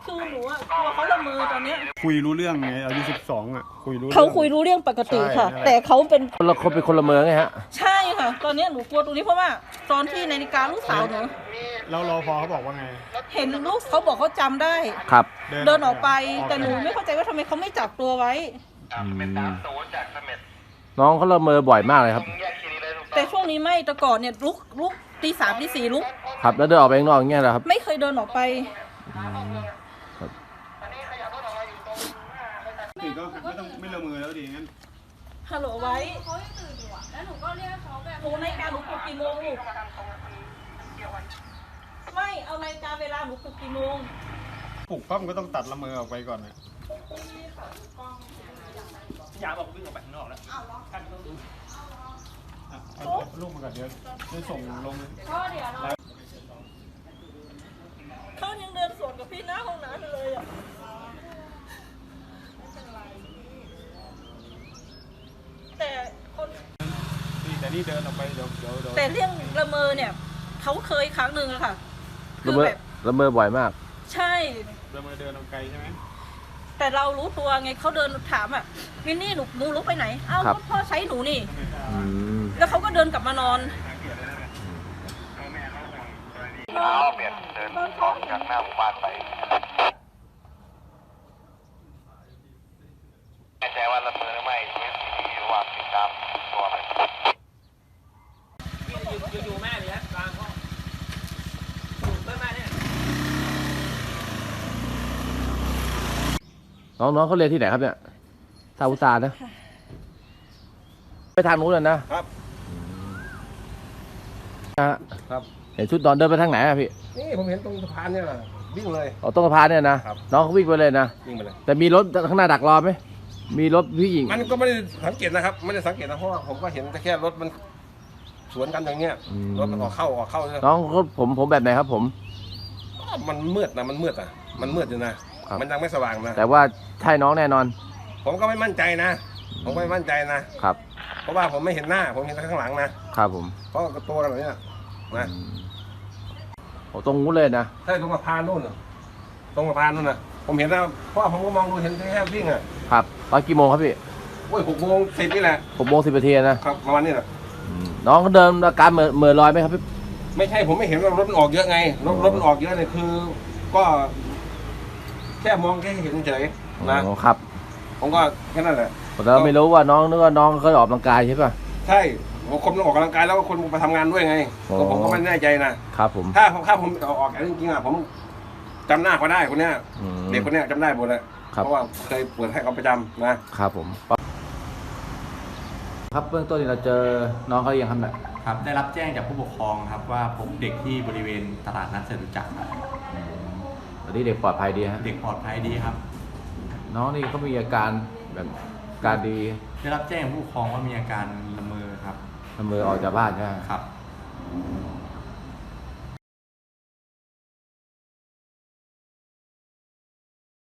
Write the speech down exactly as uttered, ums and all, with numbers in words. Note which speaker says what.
Speaker 1: คือหนูอะกลัวเขาละเมอตอนเนี้ย
Speaker 2: คุยรู้เรื่องไงอายุสิบสองอ่ะคุยรู้
Speaker 1: เขาคุยรู้เรื่องปกติค่ะแต่เขาเป็น
Speaker 3: คนละคนเป็นคนละเมืองไงฮะ
Speaker 1: ใช่ค่ะตอนนี้หนูกลัวตรงนี้เพราะว่าตอนที่นาฬิกาลูกสาวหนู
Speaker 2: แล้วรอพอเขาบอกว่าไง
Speaker 1: เห็นลูกเขาบอกเขาจำได้
Speaker 3: ครับ
Speaker 1: เดินออกไปแต่หนูไม่เข้าใจว่าทำไมเขาไม่จับตัวไว้
Speaker 3: น้องเขาละเมอบ่อยมากเลยครับ
Speaker 1: แต่ช่วงนี้ไม่แต่ก่อนเนี่ยลุกลุกตีสามตีสี่ลุก
Speaker 3: ครับแล้วเดินออกไปข้างนอกอย่างเงี้ยเหรอครับ
Speaker 1: ไม่เคยเดินออกไป
Speaker 2: ตื่นก็ไม่ต้องไม่ละเมอแล้วดีงั้น
Speaker 1: ฮัลโหลไว้
Speaker 4: เขายังตื่นอยู่อ่ะแล้วหนูก็เรียกเขาแบบ
Speaker 1: หนูนาฬิกาหนูปลุกกี่โมงลูกไม่เอานาฬิกาเวลาหนูปลุกกี่โมง
Speaker 2: ปลุกปั๊บก็ต้องตัดละเมอออกไปก่อนนะ
Speaker 5: ยาบอกวิ่งออกไปข้างนอกแล้ว
Speaker 2: เอาลูกมาก่อนเดี๋ยวจะส่งลง
Speaker 4: ก็เดี๋ยวเรา
Speaker 1: เขายังเดินสวนกับพี่หน้าห้องน้ำเลยอ่ะแต่คน
Speaker 2: แต่นี่เดินออกไปเดี๋ยวเดี๋ยว
Speaker 1: แต่เรื่องละเมอเนี่ยเขาเคยครั้งหนึ่งอะค่ะ
Speaker 3: ละเมอละเมอบ่อยมาก
Speaker 1: ใช่
Speaker 2: ละเมอเดินออกไกลใช่ไหม
Speaker 1: แต่เรารู้ตัวไงเขาเดินถามอ่ะวินนี่หนูหนูลุกไปไหนเอ้าพ่อใช้หนูนี่แล้วเขาก็เดินกลับมานอน
Speaker 6: เอาเปลี่ยนเดินออกจากหน้าหมู่บ้านไปแน่ใจว่าละเมอหรือไม่เวสซีดีระหว่างติดตามตัวไป
Speaker 5: อยู่อยู่แม่เลยนะกลางห้องอยู่เพื่อนแม่เนี่ย
Speaker 3: น้องน้องเขาเรียนที่ไหนครับเนี่ยซาอุตานะไปทางนู้นเลยนะครับ
Speaker 7: ครับ
Speaker 3: เห็นชุดนอนเดินไปทางไหนอะพี่
Speaker 7: นี่ผมเห็นตรงสะพานเนี่ยแหละวิ่งเลย
Speaker 3: อ๋อตรงสะพานเนี่ยนะน้องเขาวิ่งไปเลยนะ
Speaker 7: วิ่งไปเลย
Speaker 3: แต่มีรถข้างหน้าดักรอไหมมีรถผู้หญิง
Speaker 7: มันก็ไม่ได้สังเกตนะครับไม่ได้สังเกตนะเพราะว่าผมก็เห็นแค่รถมันสวนกันอย่างเงี้ยรถมันออกเข้าออกเข้า
Speaker 3: น้องเขาผมผมแบบไหนครับผม
Speaker 7: มันมืดนะมันมืดอ่ะมันมืดอยู่นะมันยังไม่สว่างนะ
Speaker 3: แต่ว่าใช่น้องแน่นอน
Speaker 7: ผมก็ไม่มั่นใจนะผมไม่มั่นใจนะครับเพราะว่าผมไม่เห็นหน้าผมเห็นแต่ข้างหลังนะครับ
Speaker 3: ผม
Speaker 7: เพราะตัวแบบนี้นะ
Speaker 3: โอ้ตรงนู้นเลยนะ
Speaker 7: ใช่ตรงสะพานนู่นตรงสะพานนู่นนะผมเห็นนะเพราะผมก็มองดูเห็นแค่วิ่งอ่ะ
Speaker 3: ครับตอนกี่โมงครับพี่
Speaker 7: โอ้ยหกโมงสิบนี่แหละ
Speaker 3: หกโมงสิบนาทีนะครับ
Speaker 7: ประมาณนี้แหละ
Speaker 3: น้องเขาเดินอาการเหม่อเหม่อลอยไหมครับพี่
Speaker 7: ไม่ใช่ผมไม่เห็นว่ารถมันออกเยอะไงรถรถมันออกเยอะเนี่ยคือก็แค่มองแค่เห็นเฉย
Speaker 3: นะครับ
Speaker 7: ผมก็แค่นั้นแหละ
Speaker 3: แต่เราไม่รู้ว่าน้องนึกว่าน้องเคยออกกำลังกายใช่ป่ะ
Speaker 7: ใช่คนออกกำลังกายแล้วก็คนไปทำงานด้วยไงผมก็ไม่แน่ใจนะครับ
Speaker 3: ผม
Speaker 7: ถ้าถ้าผมออกจริงๆอ่ะผมจำหน้าเขาได้คนเนี้ยเด็กคนเนี้ยจำได้หมดเลยเพราะว่าเคยเปิดให้เขาประจำ
Speaker 3: นะครับผมครับเบื้องต้นเราเจอน้องเขายังทำแบบ
Speaker 8: ครับได้รับแจ้งจากผู้ปกครองครับว่าพบเด็กที่บริเวณตลาดนัดจตุจักร
Speaker 3: ตอนนี้เด็กปลอดภัยดีฮะ
Speaker 8: เด็กปลอดภัยดีครับ
Speaker 3: น้องนี่เขามีอาการแบบการดี
Speaker 8: ได้รับแจ้งผู้ปกครองว่ามีอาการละเมอครับ
Speaker 3: ละเมอออกจากบ้านใช่ไหม
Speaker 8: ครับ